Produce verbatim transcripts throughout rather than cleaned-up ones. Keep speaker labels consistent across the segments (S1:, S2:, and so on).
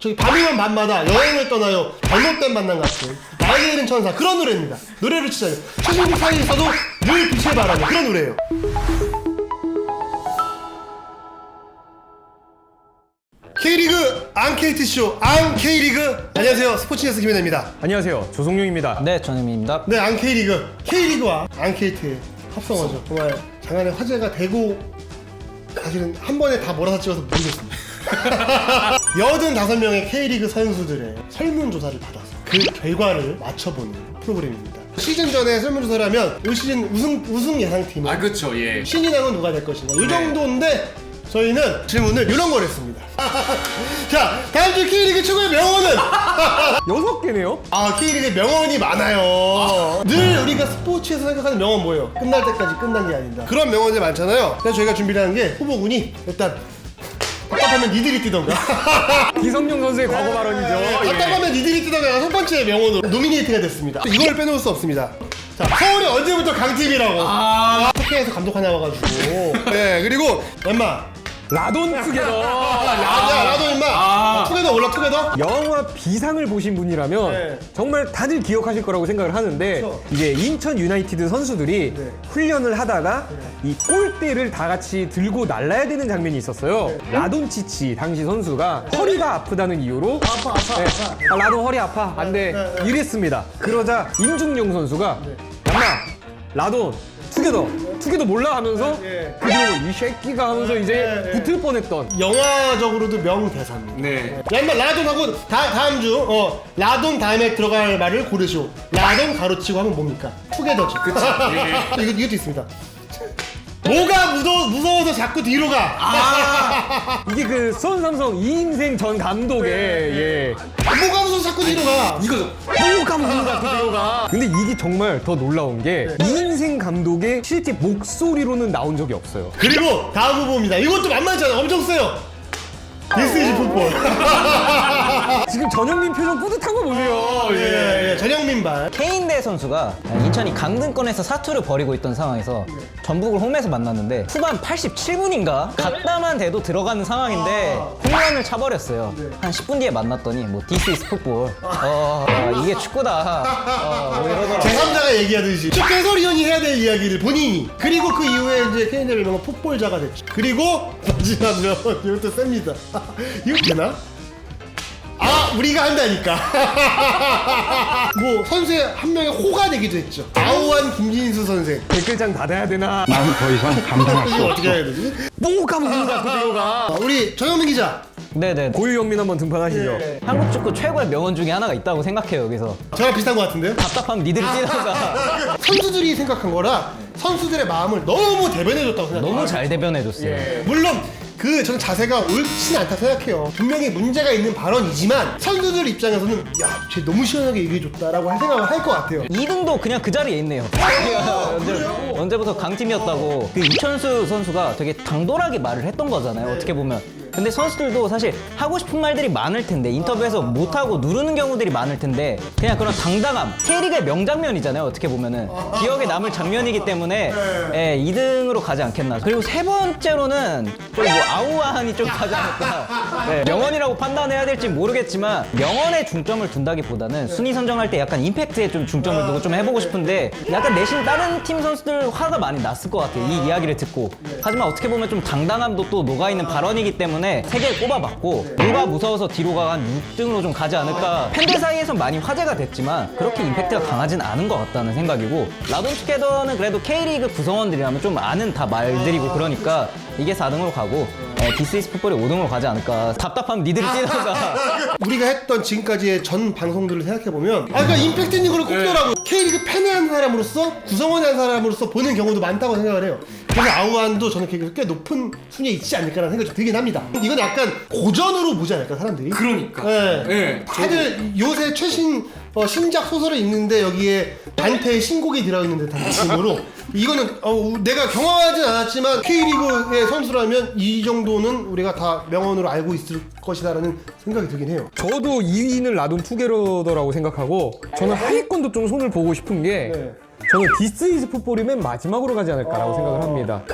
S1: 저기 밤이면 밤마다 여행을 떠나요. 잘못된 만남 같은 나에게 이른 천사 그런 노래입니다. 노래를 치자요. 최신들 사이에서도 늘 빛을 발하는 그런 노래예요. K리그 앙케이트쇼 앙케이리그. 안녕하세요, 스포츠뉴스 김현아입니다.
S2: 안녕하세요, 조성용입니다.
S3: 네, 전현민입니다.
S1: 네, 앙케이리그 K리그와 앙케이트의 합성어죠. 정말 장안의 화제가 되고 사실은 한 번에 다 몰아서 찍어서 모르겠습니다. 여든다섯 명의 K리그 선수들의 설문조사를 받아서 그 결과를 맞춰보는 프로그램입니다. 시즌 전에 설문조사를 하면 올 시즌 우승, 우승 예상팀은
S2: 아, 그쵸, 예.
S1: 신인왕은 누가 될 것인가 이 정도인데 저희는 질문을 이런 걸 했습니다. 자, 다음 주 K리그 최고의 명언은?
S2: 여섯 개네요?
S1: 아, K리그에 명언이 많아요. 늘 우리가 스포츠에서 생각하는 명언 뭐예요? 끝날 때까지 끝난 게 아니다. 그런 명언이 많잖아요. 그래서 저희가 준비를 한 게 후보군이 일단 답답하면 니들이 뛰던가.
S2: 기성용 선수의 과거 발언이죠. 예.
S1: 답답하면 니들이 뛰던가가 첫 번째 명언으로 노미네이트가 됐습니다. 이걸 빼놓을 수 없습니다. 자, 서울이 언제부터 강팀이라고. 아, 터키에서 감독 하나 와가지고. 네, 그리고 엠마.
S2: 라돈 투게더.
S1: 야, 나도 임마.
S2: 아.
S1: 투게더 올라 투게더.
S2: 영화 비상을 보신 분이라면
S1: 네.
S2: 정말 다들 기억하실 거라고 생각을 하는데,
S1: 그렇죠.
S2: 이제 인천 유나이티드 선수들이
S1: 네.
S2: 훈련을 하다가 이 골대를 다 같이 들고 날라야 되는 장면이 있었어요.
S1: 네.
S2: 라돈치치 당시 선수가 허리가 아프다는 이유로
S1: 아파, 아파,
S2: 네.
S1: 아파.
S2: 아, 라돈 허리 아파 안돼
S1: 네, 네.
S2: 이랬습니다. 그러자 임중용 선수가 얌마 라돈 투게더 투게더 몰라 하면서
S1: 네.
S2: 그리고 이 새끼가 하면서 이제
S1: 네, 네.
S2: 붙을 뻔했던.
S1: 영화적으로도 명대사입니다.
S2: 네.
S1: 야, 인마 라돈하고 다, 다음 주 어, 라돈 다음에 들어갈 말을 고르시오. 라돈 가로치고 하면 뭡니까? 투게더죠. 그치. 이거, 이것도 있습니다. 뭐가 무서, 무서워서 자꾸 뒤로 가.
S2: 아, 이게 그 수원삼성 이인생 전 감독의 예.
S1: 뭐가 무서워서 자꾸 뒤로 가.
S2: 이거죠. 뭐가 무섭다 그대로가. 근데 이게 정말 더 놀라운 게 이인생 감독의 실제 목소리로는 나온 적이 없어요.
S1: 그리고 다음 후보입니다. 이것도 만만치 않아. 엄청 세요. This is football.
S2: 지금 전영민 표정 뿌듯한 거 보세요.
S1: 예, 예, 전영민 발.
S3: 케인대 선수가 인천이 강등권에서 사투를 벌이고 있던 상황에서 전북을 홈에서 만났는데 후반 팔십칠 분인가? 갔다만 돼도 들어가는 상황인데 홈런을 차버렸어요. 한 십 분 뒤에 만났더니 뭐 This is football. 어, 어, 이게 축구다. 어, 뭐 이러더라고요.
S1: 제삼자가 얘기하듯이 쭉 해설위원이 해야 될 이야기를 본인이, 그리고 그 이후에 이제 케인의 별명은 폭볼자가 됐죠. 그리고 마지막 명은 이것도 셉니다. 이거 되나? 아, 우리가 한다니까. 뭐 선수의 한 명의 호가 되기도 했죠. 아우한 김진수 선생.
S2: 댓글장 닫아야 되나?
S4: 나는 더 이상 감당할 수
S1: 이거
S4: 없어.
S1: 어떻게 해야 되지?
S2: 뭐가 무섭다 그대로가.
S1: 아, 우리 전영민 기자.
S3: 네네.
S2: 고유영민 한번 등판하시죠.
S1: 예.
S3: 한국 축구 최고의 명언 중에 하나가 있다고 생각해요. 여기서
S1: 저랑 비슷한 것 같은데요?
S3: 답답하면 니들이 뛰던가.
S1: 선수들이 생각한 거라 선수들의 마음을 너무 대변해줬다고 생각해요.
S3: 너무 잘 대변해줬어요.
S1: 물론 그 저는 자세가 옳지는 않다 생각해요. 분명히 문제가 있는 발언이지만 선수들 입장에서는 야, 쟤 너무 시원하게 얘기해줬다라고 할 생각을 할 것 같아요.
S3: 이 등도 그냥 그 자리에 있네요. 언제, 언제부터 강팀이었다고. 그 이천수 선수가 되게 당돌하게 말을 했던 거잖아요. 어떻게 보면. 근데 선수들도 사실 하고 싶은 말들이 많을 텐데 인터뷰에서 못하고 누르는 경우들이 많을 텐데 그냥 그런 당당함. K리그의 명장면이잖아요. 어떻게 보면은. 기억에 남을 장면이기 때문에 예, 이 등으로 가지 않겠나. 그리고 세 번째로는 또 뭐 아우아한이 좀 가지 않을까. 예, 명언이라고 판단해야 될지 모르겠지만 명언에 중점을 둔다기보다는 순위 선정할 때 약간 임팩트에 좀 중점을 두고 좀 해보고 싶은데 약간 내심 다른 팀 선수들 화가 많이 났을 것 같아요. 이 이야기를 듣고. 하지만 어떻게 보면 좀 당당함도 또 녹아있는 발언이기 때문에 세 개 꼽아봤고 뭐가 무서워서 뒤로 가 한 육 등으로 좀 가지 않을까. 팬들 사이에선 많이 화제가 됐지만 그렇게 임팩트가 강하진 않은 것 같다는 생각이고, 라돈 투게더는 그래도 K리그 구성원들이라면 좀 아는 다 말들이고 그러니까 이게 사 등으로 가고 디스 이즈 풋볼이 오 등으로 가지 않을까. 답답하면 니들이 뛰던가.
S1: 우리가 했던 지금까지의 전 방송들을 생각해보면 아, 그러니까 임팩트 있는 걸로 꼽더라고. K리그 팬의 한 사람으로서, 구성원의 한 사람으로서 보는 경우도 많다고 생각을 해요. 그래서 아우안도 저는 꽤 높은 순위에 있지 않을까라는 생각이 좀 들긴 합니다. 이건 약간 고전으로 보지 않을까, 사람들이?
S2: 그러니까.
S1: 네.
S2: 네.
S1: 다들 요새 최신 어, 신작 소설을 읽는데 여기에 단테의 신곡이 들어있는 듯한 느낌으로 이거는 어, 내가 경험하진 않았지만 K리그의 선수라면 이 정도는 우리가 다 명언으로 알고 있을 것이다라는 생각이 들긴 해요.
S2: 저도 이 위는 라돈 투게더라고 생각하고, 저는 하위권도 좀 손을 보고 싶은 게
S1: 네.
S2: 저는 디스 이즈 풋볼이 맨 마지막으로 가지 않을까라고 생각을 합니다. 팬들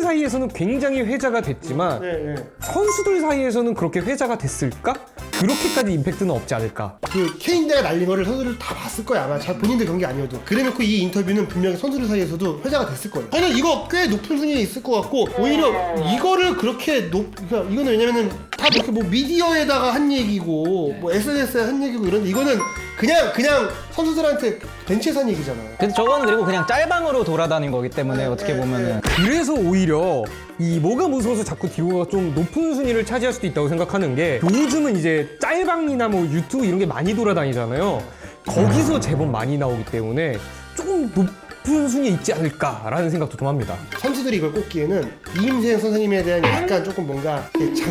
S2: 사이에서는 굉장히 회자가 됐지만
S1: 네, 네.
S2: 선수들 사이에서는 그렇게 회자가 됐을까? 그렇게까지 임팩트는 없지 않을까?
S1: 그 케인대가 날린 거를 선수들 다 봤을 거야 아마. 잘 본인들 경기 아니어도. 그래놓고 이 인터뷰는 분명히 선수들 사이에서도 회자가 됐을 거예요. 저는 이거 꽤 높은 순위에 있을 것 같고 오히려 이거를 그렇게 높 그러니까 이거는 왜냐면은 다 이렇게 뭐 미디어에다가 한 얘기고 뭐 에스엔에스에 한 얘기고 이런데 이거는 그냥 그냥 선수들한테 벤치에서 한 얘기잖아요.
S3: 근데 저거는 그리고 그냥 짤방으로 돌아다닌 거기 때문에 어떻게 보면은
S2: 그래서 오히려 이 뭐가 무서워서 자꾸 디오가 좀 높은 순위를 차지할 수도 있다고 생각하는 게 요즘은 이제 짤방이나 뭐 유튜브 이런 게 많이 돌아다니잖아요. 거기서 제법 많이 나오기 때문에 조금 높은 순위에 있지 않을까라는 생각도 좀 합니다.
S1: 선수들이 이걸 꼽기에는 이임생 선생님에 대한 약간 조금 뭔가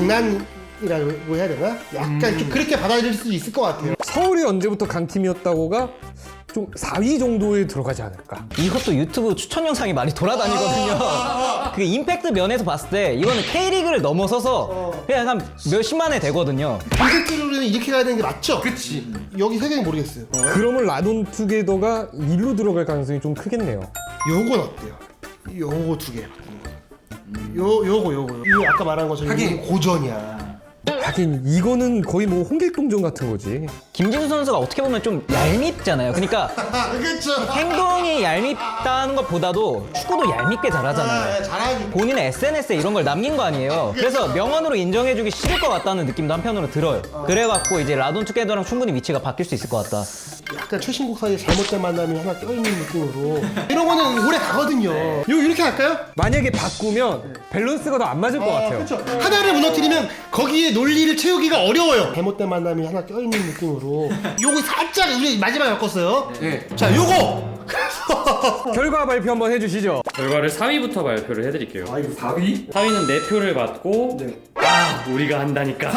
S1: 장난이라고 해야 되나? 약간 좀 그렇게 받아들일 수도 있을 것 같아요.
S2: 서울이 언제부터 강팀이었다고가 좀 사 위 정도에 들어가지 않을까.
S3: 이것도 유튜브 추천 영상이 많이 돌아다니거든요. 그 임팩트 면에서 봤을 때 이거는 K리그를 넘어서서 그냥 한 몇십만 회 되거든요.
S1: 콘텐츠로는 이렇게 가야 되는 게 맞죠? 그치. 여기 세경이 모르겠어요.
S2: 그러면 라돈 투게더가 일로 들어갈 가능성이 좀 크겠네요.
S1: 요건 어때요? 요거 두 개 바꾸는 거. 요 요거 요거. 이거 아까 말한 것처럼 이거는 고전이야.
S2: 하긴 이거는 거의 뭐 홍길동전 같은 거지.
S3: 김진수 선수가 어떻게 보면 좀 얄밉잖아요. 그러니까
S1: 그렇죠.
S3: 행동이 얄밉다는 것보다도 축구도 얄밉게 잘하잖아요.
S1: 잘하지.
S3: 본인의 에스엔에스에 이런 걸 남긴 거 아니에요. 그래서 명언으로 인정해주기 싫을 것 같다는 느낌도 한편으로 들어요. 그래갖고 이제 라돈 투게더랑 충분히 위치가 바뀔 수 있을 것 같다.
S1: 약간 최신곡 사이에 잘못된 만남이 하나 껴있는 느낌으로 이런 거는 오래 가거든요. 요 이렇게 할까요?
S2: 만약에 바꾸면 밸런스가 더 안 맞을 것 같아요.
S1: 그렇죠. 하나를 무너뜨리면 거기에 논리를 채우기가 어려워요. 잘못된 만남이 하나 껴있는 느낌으로 요거 살짝 우리 마지막에 바꿨어요.
S2: 네.
S1: 자 요거 그래서
S2: 결과 발표 한번 해주시죠.
S4: 결과를 사 위부터 발표를 해드릴게요.
S1: 아 이거 사 위?
S4: 사 위는 네 표를 받고 아 우리가 한다니까.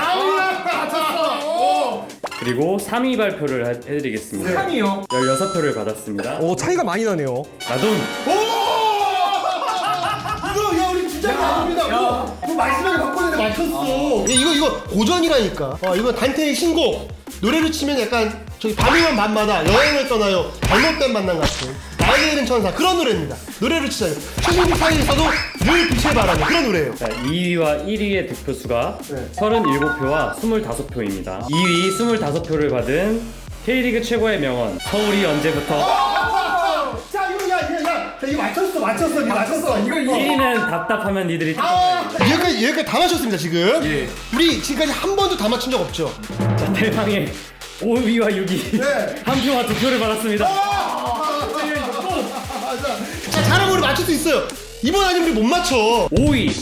S4: 그리고 삼 위 발표를 하- 해드리겠습니다.
S2: 삼 위요?
S4: 열여섯 표를 받았습니다.
S2: 오 차이가 많이 나네요.
S4: 라돈
S1: 이거 야 우리 진짜 감사합니다. 이거 이거 마지막에 바꿨는데 맞췄어. 이거 이거 고전이라니까. 어 이거 단테의 신곡. 노래로 치면 약간 저기 밤이면 밤마다 여행을 떠나요. 잘못된 만남 같은 나에게 이른 천사 그런 노래입니다. 노래로 치자요. 최신곡 사이에서도 늘 빛을 발하는 그런 노래예요.
S4: 자, 이 위와 일 위의 득표수가 서른일곱 표와 스물다섯 표입니다. 이 위 스물다섯 표를 받은 K리그 최고의 명언 서울이 언제부터
S1: 자 이거 야야야 이거 맞췄어 맞췄어 이거 맞췄어 이거
S4: 일 위는 답답하면 니들이
S1: 아 여기까지 여기까지 다 맞췄습니다 지금. 우리 지금까지 한 번도 다 맞춘 적 없죠.
S4: 자, 대망의 오 위와 육 위
S1: 네.
S4: 한 표와 두 표를 받았습니다.
S1: 자 잘하면 우리 맞출 수 있어요. 이번 아니면 우리 못 맞춰.
S4: 오 위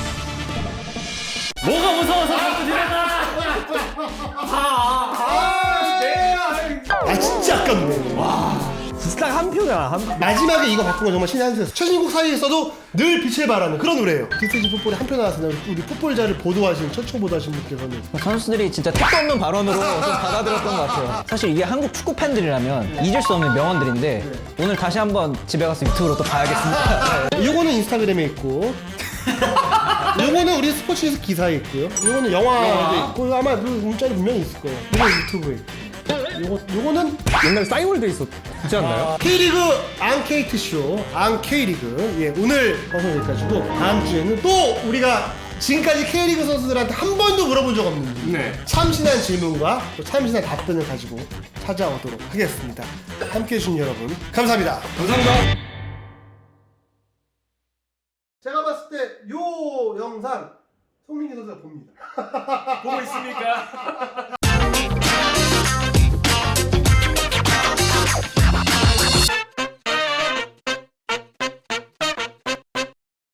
S4: 뭐가 무서워서 자꾸 지내가
S1: 아 진짜 아깝네.
S2: 진짜 한 표야. 한...
S1: 마지막에 이거 바꾼 건 정말 신의 한 수였어. 최신곡 사이에서도 늘 빛을 발하는 그런 노래예요. 디스지 풋볼에 한 표 나왔습니다. 우리 풋볼자를 보도하신 최초 보도하신 분께서는
S3: 선수들이 진짜 택도 없는 발언으로 좀 받아들였던 것 같아요. 사실 이게 한국 축구 팬들이라면 잊을 수 없는 명언들인데 오늘 다시 한번 집에 가서 유튜브로 또 봐야겠습니다.
S1: 요거는 인스타그램에 있고 요거는 우리 스포츠에서 기사에 있고요. 요거는 영화도 있고 아마 그 문자로 분명히 있을 거예요. 요거 유튜브에 있고. 요거 요거는
S2: 옛날에 싸이월드 있었지 않나요?
S1: K리그 앙케이트 쇼 앙케이리그 예 오늘 방송 여기까지고 다음 주에는 또 우리가 지금까지 K리그 선수들한테 한 번도 물어본 적 없는
S2: 네.
S1: 참신한 질문과 또 참신한 답변을 가지고 찾아오도록 하겠습니다. 함께해 주신 여러분 감사합니다.
S2: 감사합니다.
S1: 제가 봤을 때 요 영상 송민기 선수가 봅니다.
S4: 보고 있습니까?